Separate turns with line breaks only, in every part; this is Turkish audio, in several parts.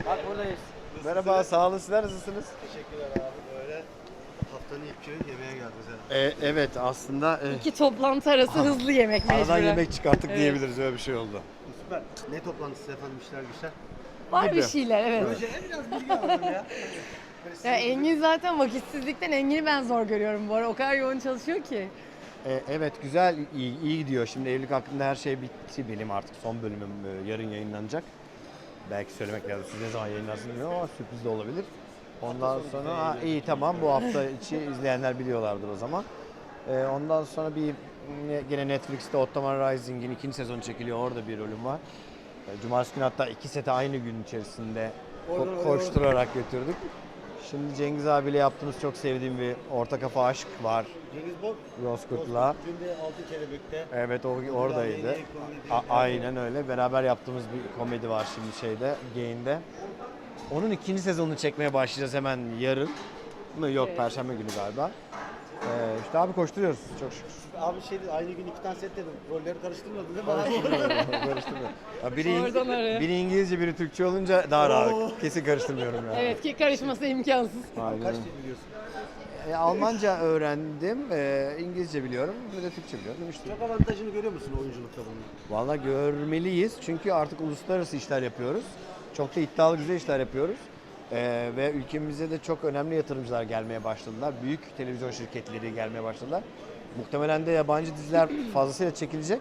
Bak buradayız.
Merhaba, sağ olun. Sizler nasılsınız?
Teşekkürler abi. Böyle haftanın ilk günü yemeğe geldik.
Evet, aslında
İki toplantı arası hızlı yemek mecburen.
aradan yemek çıkarttık
Evet.
diyebiliriz. Öyle bir şey oldu.
Süper. Ne toplantısı efendim, işler güçler?
Var bir
gibi.
şeyler, evet.
Projeye biraz bilgi alalım ya.
Ya Engin zaten vakitsizlikten Engin'i ben zor görüyorum bu ara. O kadar yoğun çalışıyor ki.
Evet, güzel, iyi gidiyor. Şimdi evlilik hakkında her şey bitti benim artık. Son bölümüm yarın yayınlanacak. Belki söylemek lazım. Siz ne zaman yayınlarsınız bilmiyorum ama sürpriz de olabilir. Ondan sonra iyi tamam, bu hafta içi izleyenler biliyorlardır o zaman. Ondan sonra gene Netflix'te Ottoman Rising'in 2. sezonu çekiliyor. Orada bir rolüm var. Cumartesi günü hatta 2 seti aynı gün içerisinde koşturarak götürdük. Şimdi Cengiz abiyle yaptığımız çok sevdiğim bir orta kafa aşk var.
Cengiz Bol.
Yozkurt'la.
Günde 6 Kelebek'te.
Evet, o oradaydı. Aynen öyle. Beraber yaptığımız bir komedi var şimdi şeyde, Gain'de. Onun 2. sezonunu çekmeye başlayacağız hemen yarın. Yok,
Evet.
Perşembe günü galiba. İşte abi koşturuyoruz çok şükür.
Abi aynı gün 2 tane set dedim. Rolleri karıştırmadın değil mi abi?
Karıştırmıyor. Ya
Oradan oraya.
biri İngilizce, biri Türkçe olunca daha rahat. Kesin karıştırmıyorum yani.
Evet ki karışması imkansız.
Aynen.
Kaç dil biliyorsun?
Almanca öğrendim, İngilizce biliyorum, bir de Türkçe biliyorum. İşte.
Çok avantajını görüyor musun oyunculukta bunun?
Vallahi görmeliyiz çünkü artık uluslararası işler yapıyoruz. Çok da iddialı güzel işler yapıyoruz. Ve ülkemize de çok önemli yatırımcılar gelmeye başladılar. Büyük televizyon şirketleri gelmeye başladılar. Muhtemelen de yabancı diziler fazlasıyla çekilecek.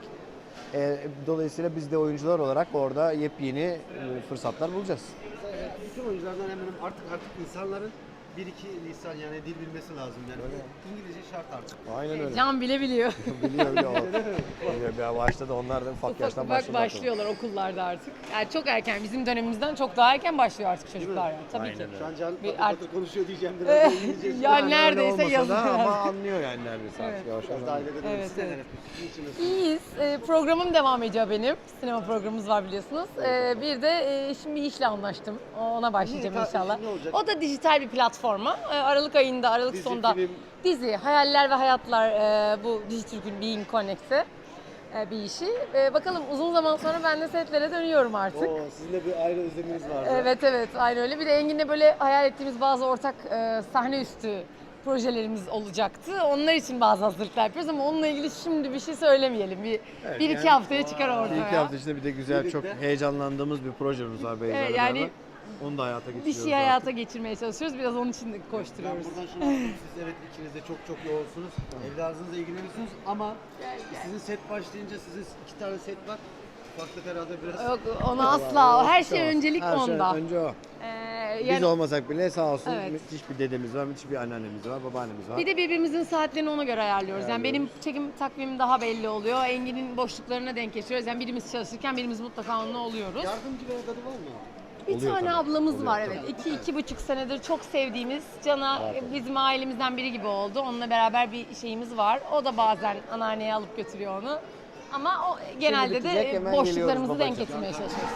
Dolayısıyla biz de oyuncular olarak orada yepyeni fırsatlar bulacağız.
Bütün oyunculardan hemen artık insanların 1-2 lisan yani dil bilmesi lazım yani. İngilizce şart artık.
Aynen öyle.
Can bile biliyor.
Biliyor. Biliyor. Ya başladı, onlar da ufak yaştan
Ufak
başladılar.
başlıyorlar okullarda artık. Yani çok erken, bizim dönemimizden çok daha erken başlıyor artık çocuklar yani. Tabii
Aynen
ki.
öyle.
Şu an Can
Bir
patır
artık-
patır konuşuyor diyeceğim biraz. İngilizce.
Ya
Yani öyle
neredeyse
olmasa da
yazıyor.
ama anlıyor yani neredeyse artık.
Evet.
Yavaş yavaş
Biraz da
anlıyor.
ailede de
Evet,
siz neler
evet.
yapıyorsunuz? Niçin nasıl?
İyiyiz. Programım devam ediyor benim. Sinema programımız var biliyorsunuz. Bir de şimdi bir işle anlaştım. Ona başlayacağım
Ne?
inşallah.
Ne olacak?
O da dijital bir platforma. Aralık ayında, Aralık
Dizi,
sonunda
film.
dizi, Hayaller ve Hayatlar bu Dijitürk'ün Being Connect'te bir işi. Bakalım uzun zaman sonra ben de setlere dönüyorum artık.
Oo, sizin de bir ayrı özleminiz vardı.
Evet, aynı öyle. Bir de Engin'le böyle hayal ettiğimiz bazı ortak sahne üstü projelerimiz olacaktı. Onlar için bazı hazırlıklar yapıyoruz ama onunla ilgili şimdi bir şey söylemeyelim. Bir iki
yani-
haftaya çıkar
Bir
ortaya.
iki hafta içinde bir de güzel,
Birlikte.
çok heyecanlandığımız bir projemiz var Beyza'yla
Evet, yani
beraber. Onu da hayata
Bir
geçiriyoruz.
şey hayata geçirmeye çalışıyoruz. Biraz onun için de
Ben
koşturuyoruz.
buradan şunu anladım. Siz evet ikiniz de çok yoğunsunuz. Evladınızla ilgileniyorsunuz ama sizin set başlayınca sizin 2 tane set var. Ufaklık herhalde biraz.
Yok onu asla. Her şey öncelik
Her
onda.
Şey önce o. Biz
Yani
olmasak bile sağ olsun
Evet.
müthiş bir dedemiz var, müthiş bir anneannemiz var, babaannemiz var.
bir de birbirimizin saatlerini ona göre ayarlıyoruz. Yani benim çekim takvimim daha belli oluyor. Engin'in boşluklarına denk getiriyoruz. Yani birimiz çalışırken birimiz mutlaka onunla oluyoruz.
Yardımcı bir evladı var mı?
Bir
Oluyor
tane
tabii.
ablamız
Oluyor
var
tabii.
evet. 2-2,5 senedir çok sevdiğimiz Can'a bizim ailemizden biri gibi oldu. Onunla beraber bir şeyimiz var. O da bazen anneanneye alıp götürüyor onu. Ama o genelde
bitecek,
de
hemen
boşluklarımızı
geliyoruz
denk
babacığım.
getirmeye çalışıyoruz.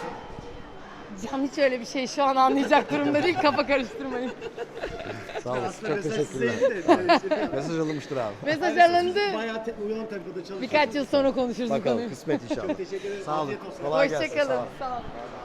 Can hiç öyle bir şey şu an anlayacak durumda değil. Kafa karıştırmayın.
Sağ olasın,
Aslında
çok
mesaj
teşekkürler.
sizeydi de, böyle işte bir-
Mesaj alınmıştır abi.
Mesaj alındı.
Bayağı uyan tempoda çalışıyorsunuz.
Birkaç yıl sonra konuşuruz bu
Bakalım,
konuyu.
kısmet inşallah.
Teşekkür ederim.
Sağ olun.
Afiyet olsun.
Kolay gelsin. Sağ
Hoşçakalın.
olun.
Sağ olun.